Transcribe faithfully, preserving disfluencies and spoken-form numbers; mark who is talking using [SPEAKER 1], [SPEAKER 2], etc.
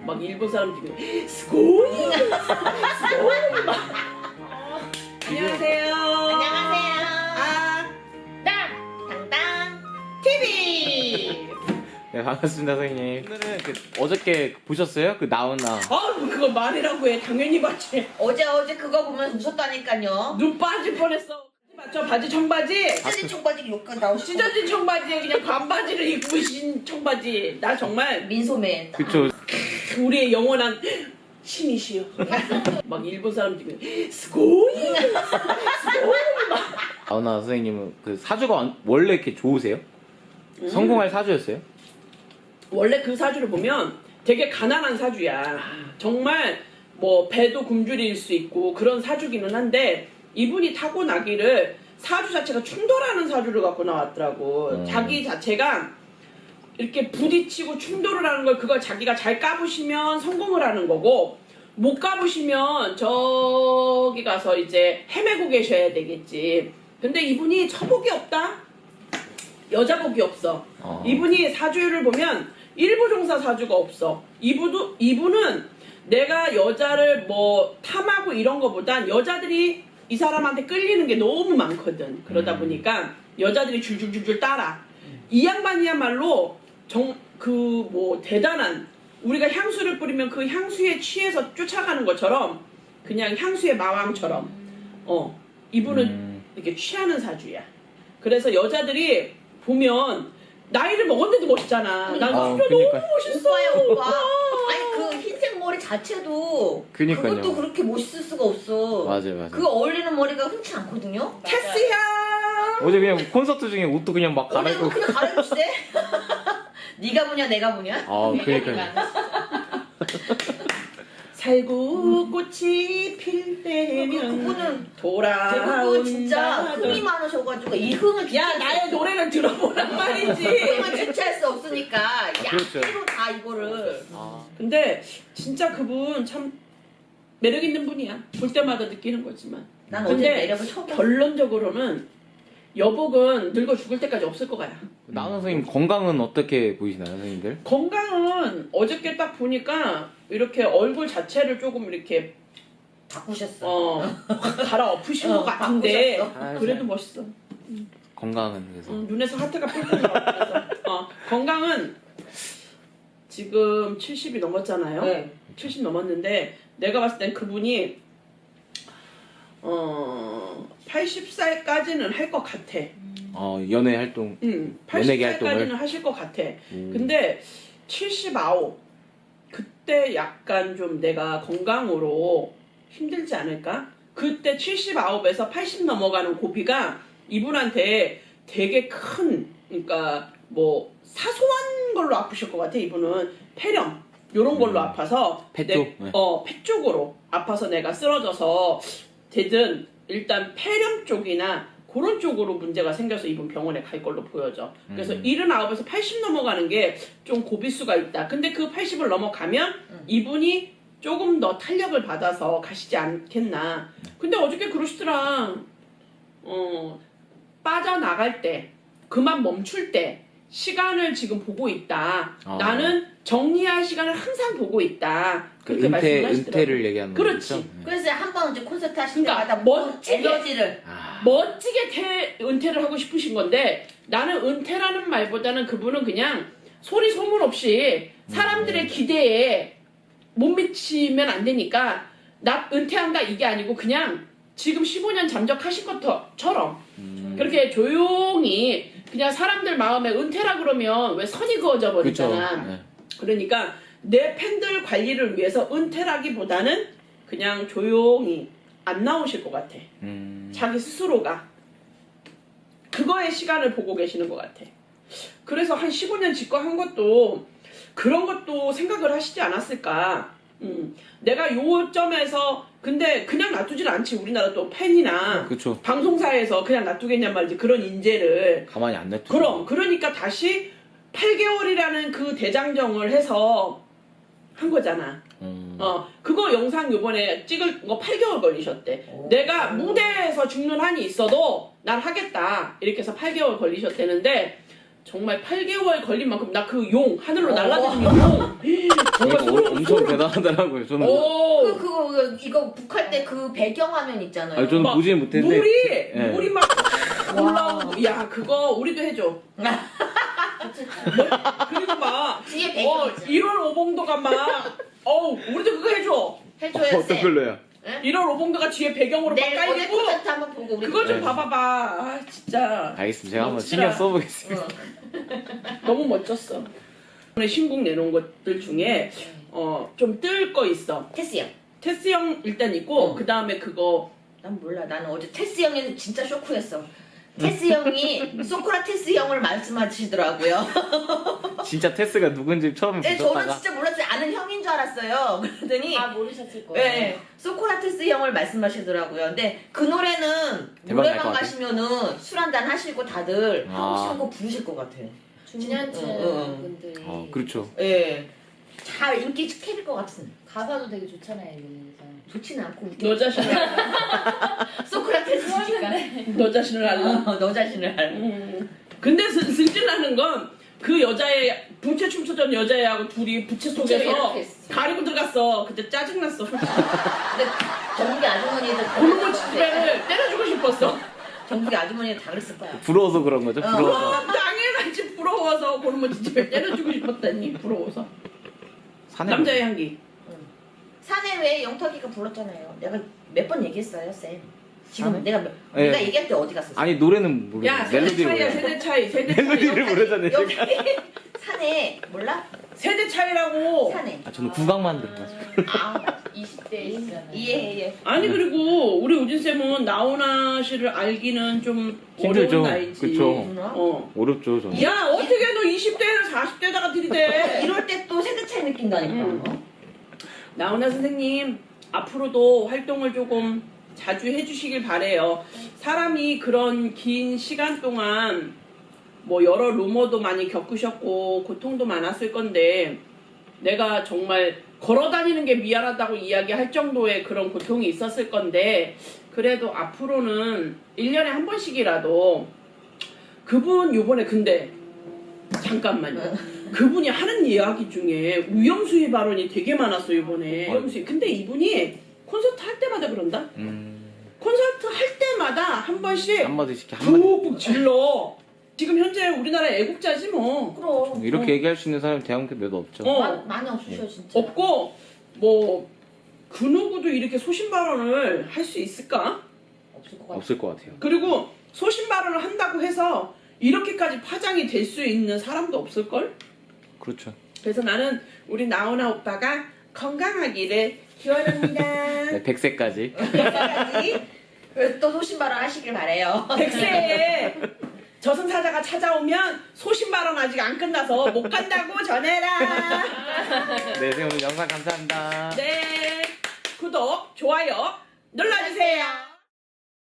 [SPEAKER 1] 막 일본 사람들이 스고이 스고이 막 안녕하세요.
[SPEAKER 2] 안녕하세요.
[SPEAKER 1] 아,
[SPEAKER 2] 땅! 당당 티비!
[SPEAKER 3] 네, 반갑습니다, 선생님. 오늘은 그 어저께 보셨어요? 그 나훈아.
[SPEAKER 1] 아 그거 말이라고 해. 당연히 봤지.
[SPEAKER 2] 어제 어제 그거 보면 웃었다니까요.
[SPEAKER 1] 눈 빠질 뻔했어. 맞죠? 바지 청바지.
[SPEAKER 2] 찢어진 청바지 욕까지 나오시고
[SPEAKER 1] 찢어진 청바지에 그냥 반바지를 입고 신 청바지. 나 정말
[SPEAKER 2] 민소매
[SPEAKER 3] 그쵸.
[SPEAKER 1] 우리의 영원한 신이시여. 막 일본 사람들이 스고이 스고이 막.
[SPEAKER 3] 나훈아 선생님은 그 사주가 원래 이렇게 좋으세요?
[SPEAKER 1] 음.
[SPEAKER 3] 성공할 사주였어요?
[SPEAKER 1] 원래 그 사주를 보면 되게 가난한 사주야. 정말 뭐 배도 굶주릴 수 있고 그런 사주기는 한데 이분이 타고나기를 사주 자체가 충돌하는 사주를 갖고 나왔더라고.
[SPEAKER 3] 음.
[SPEAKER 1] 자기 자체가 이렇게 부딪히고 충돌을 하는 걸 그걸 자기가 잘 까부시면 성공을 하는 거고 못 까부시면 저기 가서 이제 헤매고 계셔야 되겠지. 근데 이분이 처복이 없다? 여자복이 없어.
[SPEAKER 3] 어.
[SPEAKER 1] 이분이 사주를 보면 일부종사 사주가 없어. 이분도, 이분은 내가 여자를 뭐 탐하고 이런 거보단 여자들이 이 사람한테 끌리는 게 너무 많거든. 그러다
[SPEAKER 3] 음.
[SPEAKER 1] 보니까 여자들이 줄줄줄줄 따라. 이 양반이야말로 정, 그 뭐 대단한 우리가 향수를 뿌리면 그 향수에 취해서 쫓아가는 것처럼 그냥 향수의 마왕처럼 어 이분은
[SPEAKER 3] 음.
[SPEAKER 1] 이렇게 취하는 사주야. 그래서 여자들이 보면 나이를 먹었는데도 멋있잖아. 난
[SPEAKER 3] 어,
[SPEAKER 1] 진짜
[SPEAKER 3] 그러니까.
[SPEAKER 1] 너무 멋있어.
[SPEAKER 2] 오빠야 오빠. 아니 그 흰색 머리 자체도
[SPEAKER 3] 그니까요.
[SPEAKER 2] 그것도 그렇게 멋있을 수가 없어.
[SPEAKER 3] 맞아요, 맞아요.
[SPEAKER 2] 그 어울리는 머리가 흔치 않거든요.
[SPEAKER 1] 테스야.
[SPEAKER 3] 어제 그냥 콘서트 중에 옷도 그냥 막
[SPEAKER 2] 어제
[SPEAKER 3] 갈아입고.
[SPEAKER 2] 그냥 가려주시대. 네가 뭐냐 내가 뭐냐.
[SPEAKER 3] 아, 그러니까요.
[SPEAKER 1] 살구 꽃이 필 때면
[SPEAKER 2] 그분은
[SPEAKER 1] 돌아온다.
[SPEAKER 2] 대부분 진짜 흥이 많으셔가지고 이 흥을
[SPEAKER 1] 야
[SPEAKER 2] 주체할
[SPEAKER 1] 나의 노래를 들어보란 말이지.
[SPEAKER 2] 흥을 주체할 수 없으니까
[SPEAKER 3] 그렇죠.
[SPEAKER 2] 약대로 다 이거를.
[SPEAKER 3] 아,
[SPEAKER 1] 근데 진짜 그분 참 매력 있는 분이야. 볼 때마다 느끼는 거지만.
[SPEAKER 2] 난 어제
[SPEAKER 1] 근데
[SPEAKER 2] 매력을 처음 봤어.
[SPEAKER 1] 결론적으로는 여복은 늙어 죽을 때까지 없을 거야.
[SPEAKER 3] 나훈아 선생님 건강은 어떻게 보이시나요, 선생님들?
[SPEAKER 1] 건강은 어저께 딱 보니까 이렇게 얼굴 자체를 조금 이렇게
[SPEAKER 2] 바꾸셨어.
[SPEAKER 1] 어 갈아엎으신
[SPEAKER 2] 어,
[SPEAKER 1] 것 같은데
[SPEAKER 2] 바꾸셨어.
[SPEAKER 3] 아,
[SPEAKER 1] 그래도 멋있어.
[SPEAKER 3] 건강은 그래서.
[SPEAKER 1] 음, 눈에서 하트가 펄펄 나와. 그래서 어, 건강은 지금 칠십이 넘었잖아요.
[SPEAKER 2] 네.
[SPEAKER 1] 칠십 넘었는데 내가 봤을 땐 그분이 어 팔십 살까지는 할 것 같아.
[SPEAKER 3] 어, 연애 활동.
[SPEAKER 1] 응,
[SPEAKER 3] 연예계
[SPEAKER 1] 팔십 살까지는
[SPEAKER 3] 활동을?
[SPEAKER 1] 하실 것 같아.
[SPEAKER 3] 음.
[SPEAKER 1] 근데 칠십구 그때 약간 좀 내가 건강으로 힘들지 않을까? 그때 칠십구에서 팔십 넘어가는 고비가 이분한테 되게 큰, 그러니까 뭐 사소한 걸로 아프실 것 같아. 이분은 폐렴 요런 걸로
[SPEAKER 3] 음.
[SPEAKER 1] 아파서
[SPEAKER 3] 폐
[SPEAKER 1] 내-
[SPEAKER 3] 쪽? 네.
[SPEAKER 1] 어, 폐 쪽으로 아파서 내가 쓰러져서 되든 일단 폐렴 쪽이나 그런 쪽으로 문제가 생겨서 이분 병원에 갈 걸로 보여져. 그래서
[SPEAKER 3] 음.
[SPEAKER 1] 칠십구에서 팔십 넘어가는 게 좀 고비수가 있다. 근데 그 팔십을 넘어가면
[SPEAKER 2] 음.
[SPEAKER 1] 이분이 조금 더 탄력을 받아서 가시지 않겠나. 근데 어저께 그러시더라. 어, 빠져나갈 때, 그만 멈출 때, 시간을 지금 보고 있다.
[SPEAKER 3] 아.
[SPEAKER 1] 나는 정리할 시간을 항상 보고 있다.
[SPEAKER 3] 그
[SPEAKER 1] 그렇게
[SPEAKER 3] 은퇴,
[SPEAKER 1] 말씀하시더라고요.
[SPEAKER 3] 은퇴를 얘기하는
[SPEAKER 1] 그렇지.
[SPEAKER 3] 거죠? 네.
[SPEAKER 2] 그래서 한 번 이제 콘서트 하실
[SPEAKER 1] 그러니까
[SPEAKER 2] 때마다
[SPEAKER 1] 멋지게.
[SPEAKER 2] 에너지를
[SPEAKER 3] 아,
[SPEAKER 1] 멋지게 퇴, 은퇴를 하고 싶으신 건데 나는 은퇴라는 말보다는 그분은 그냥 소리 소문 없이 사람들의 기대에 못 미치면 안 되니까 나 은퇴한다 이게 아니고 그냥 지금 십오 년 잠적하신 것처럼
[SPEAKER 3] 음.
[SPEAKER 1] 그렇게 조용히 그냥 사람들 마음에 은퇴라 그러면 왜 선이 그어져
[SPEAKER 3] 그쵸.
[SPEAKER 1] 버리잖아.
[SPEAKER 3] 네.
[SPEAKER 1] 그러니까 내 팬들 관리를 위해서 은퇴라기보다는 그냥 조용히 안 나오실 것 같아.
[SPEAKER 3] 음.
[SPEAKER 1] 자기 스스로가 그거에 시간을 보고 계시는 것 같아. 그래서 한 십오 년 집권한 것도 그런 것도 생각을 하시지 않았을까. 음, 내가 요점에서 근데 그냥 놔두질 않지. 우리나라 또 팬이나
[SPEAKER 3] 그쵸.
[SPEAKER 1] 방송사에서 그냥 놔두겠냔 말이지. 그런 인재를.
[SPEAKER 3] 가만히 안 냅두죠.
[SPEAKER 1] 그럼 그러니까 다시 팔 개월이라는 그 대장정을 해서 한 거잖아.
[SPEAKER 3] 음.
[SPEAKER 1] 어, 그거 영상 요번에 찍을 거 팔 개월 걸리셨대.
[SPEAKER 2] 오.
[SPEAKER 1] 내가 무대에서 죽는 한이 있어도 난 하겠다. 이렇게 해서 팔 개월 걸리셨대는데 정말 팔 개월 걸린 만큼 나 그 용 하늘로
[SPEAKER 2] 어.
[SPEAKER 1] 날아다니는 용 정말
[SPEAKER 3] 그러니까
[SPEAKER 1] 소름
[SPEAKER 3] 엄청
[SPEAKER 1] 소름.
[SPEAKER 3] 대단하더라고요. 저는
[SPEAKER 1] 오.
[SPEAKER 2] 그 그거 이거 북할 때 그 배경화면 있잖아요.
[SPEAKER 3] 아니, 저는
[SPEAKER 1] 막
[SPEAKER 3] 보지는 못했는데
[SPEAKER 1] 물이
[SPEAKER 3] 예.
[SPEAKER 1] 물이 막 올라오고 야 그거 우리도 해줘. 그리고 막
[SPEAKER 2] 뒤에
[SPEAKER 1] 어,
[SPEAKER 2] 배경 있잖아.
[SPEAKER 1] 일월 오봉도가 막 어우 우리도 그거 해줘.
[SPEAKER 2] 해줘야
[SPEAKER 3] 어떤
[SPEAKER 2] 돼.
[SPEAKER 3] 걸로요?
[SPEAKER 1] 일월 오봉도가 뒤에 배경으로 막
[SPEAKER 2] 내일 오늘
[SPEAKER 1] 깔리고
[SPEAKER 2] 콘서트 한번 보고 우리
[SPEAKER 1] 그걸 좀
[SPEAKER 3] 네.
[SPEAKER 1] 봐봐봐. 아 진짜
[SPEAKER 3] 알겠습니다. 제가 한번
[SPEAKER 1] 멋지다.
[SPEAKER 3] 신경 써보겠습니다.
[SPEAKER 2] 어.
[SPEAKER 1] 너무 멋졌어. 이번에 신곡 내놓은 것들 중에 어, 좀 뜰 거 있어.
[SPEAKER 2] 테스 형.
[SPEAKER 1] 테스 형 일단 있고
[SPEAKER 2] 어.
[SPEAKER 1] 그 다음에 그거
[SPEAKER 2] 난 몰라. 나는 어제 테스 형이 진짜 쇼크였어. 테스 형이 소크라테스 형을 말씀하시더라고요.
[SPEAKER 3] 진짜 테스가 누군지 처음에
[SPEAKER 2] 네, 저는
[SPEAKER 3] 보셨다가
[SPEAKER 2] 진짜 몰랐어요. 아는 형인 줄 알았어요. 그랬더니
[SPEAKER 4] 아 모르셨을 거예요.
[SPEAKER 2] 네, 소크라테스 형을 말씀하시더라고요. 근데 그 노래는
[SPEAKER 3] 대박 날것
[SPEAKER 2] 노래방
[SPEAKER 3] 같아.
[SPEAKER 2] 가시면은 술 한잔 하시고 다들
[SPEAKER 3] 아.
[SPEAKER 2] 하고 싶은 거 부르실 것 같아.
[SPEAKER 4] 중년층
[SPEAKER 2] 응, 응.
[SPEAKER 4] 분들이
[SPEAKER 3] 어, 그렇죠.
[SPEAKER 2] 예. 잘 인기 캐릴 것 같은.
[SPEAKER 4] 가사도 되게 좋잖아요. 이거에서.
[SPEAKER 2] 좋지는 않고 웃겨.
[SPEAKER 1] 너 자신을 알라.
[SPEAKER 2] 소크라테스니까.
[SPEAKER 1] 너 자신을 알라.
[SPEAKER 2] 어, 너 자신을 알아.
[SPEAKER 1] 음. 근데 승- 승질나는 건 그 여자애 부채 춤추던 여자애하고 둘이 부채
[SPEAKER 2] 부채를
[SPEAKER 1] 속에서
[SPEAKER 2] 이렇게 했어.
[SPEAKER 1] 가리고 들어갔어. 그때 짜증났어.
[SPEAKER 2] 근데 정국이 아주머니들
[SPEAKER 1] 고르고 집배를 때려주고 싶었어.
[SPEAKER 2] 정국이 아주머니들 다 그랬을 거야.
[SPEAKER 3] 부러워서 그런 거죠?
[SPEAKER 2] 어.
[SPEAKER 3] 부러워서.
[SPEAKER 1] 당연하지 부러워서 고르고 집배 때려주고 싶었다니 부러워서.
[SPEAKER 3] 사내
[SPEAKER 1] 남자의 향기.
[SPEAKER 2] 산에 왜 영탁이가 불렀잖아요. 내가 몇 번 얘기했어요, 쌤. 지금
[SPEAKER 3] 산에?
[SPEAKER 2] 내가 몇-
[SPEAKER 3] 네.
[SPEAKER 2] 내가 얘기할 때 어디 갔었어?
[SPEAKER 3] 아니 노래는 모르고
[SPEAKER 1] 야 세대
[SPEAKER 3] 멜로디를
[SPEAKER 1] 차이야
[SPEAKER 3] 몰라요.
[SPEAKER 1] 세대 차이 세대 차이
[SPEAKER 3] 멜로디를 모르잖아요.
[SPEAKER 2] 여기
[SPEAKER 3] 제가.
[SPEAKER 2] 산에 몰라?
[SPEAKER 1] 세대 차이라고.
[SPEAKER 2] 산에.
[SPEAKER 3] 아 저는 국악만 들어가지고.
[SPEAKER 2] 아,
[SPEAKER 4] 이십 대이잖아요.
[SPEAKER 2] 이해해.
[SPEAKER 1] 아니 그리고 우리 우진 쌤은 나훈아 씨를 알기는 좀
[SPEAKER 3] 힘들죠.
[SPEAKER 1] 어려운 나이지.
[SPEAKER 3] 그쵸.
[SPEAKER 1] 어.
[SPEAKER 3] 어렵죠 저는.
[SPEAKER 1] 야 어떻게 너 이십 대를 사십 대다가 들이대.
[SPEAKER 2] 이럴 때 또 세대 차이 느낀다니까.
[SPEAKER 1] 음. 나훈아 선생님 앞으로도 활동을 조금 자주 해주시길 바래요. 사람이 그런 긴 시간 동안 뭐 여러 루머도 많이 겪으셨고 고통도 많았을 건데 내가 정말 걸어다니는 게 미안하다고 이야기할 정도의 그런 고통이 있었을 건데 그래도 앞으로는 일 년에 한 번씩이라도 그분 요번에 근데 잠깐만요. 그분이 하는 이야기 중에 우영수의 발언이 되게 많았어 이번에. 우영수. 근데 이분이 콘서트 할 때마다 그런다.
[SPEAKER 3] 음,
[SPEAKER 1] 콘서트 할 때마다 한 번씩
[SPEAKER 3] 한마디씩 한마디.
[SPEAKER 1] 푹푹 질러. 지금 현재 우리나라 애국자지 뭐.
[SPEAKER 2] 그럼.
[SPEAKER 3] 이렇게
[SPEAKER 1] 어.
[SPEAKER 3] 얘기할 수 있는 사람이 대한민국에 몇 없죠.
[SPEAKER 1] 어.
[SPEAKER 2] 마- 많이 없으셔 진짜.
[SPEAKER 1] 없고 뭐 그 누구도 이렇게 소신 발언을 할 수 있을까?
[SPEAKER 2] 없을 것 같아.
[SPEAKER 3] 없을 것 같아요.
[SPEAKER 1] 그리고 소신 발언을 한다고 해서 이렇게까지 파장이 될 수 있는 사람도 없을걸?
[SPEAKER 3] 그렇죠.
[SPEAKER 1] 그래서 나는 우리 나훈아 오빠가 건강하기를 기원합니다.
[SPEAKER 3] 네, 백 세까지.
[SPEAKER 2] 백세까지. 그래서 또 소신발언 하시길 바래요.
[SPEAKER 1] 백세에 저승사자가 찾아오면 소신 발언 아직 안 끝나서 못 간다고 전해라.
[SPEAKER 3] 네, 선생님 오늘 영상 감사합니다.
[SPEAKER 1] 네, 구독, 좋아요 눌러주세요.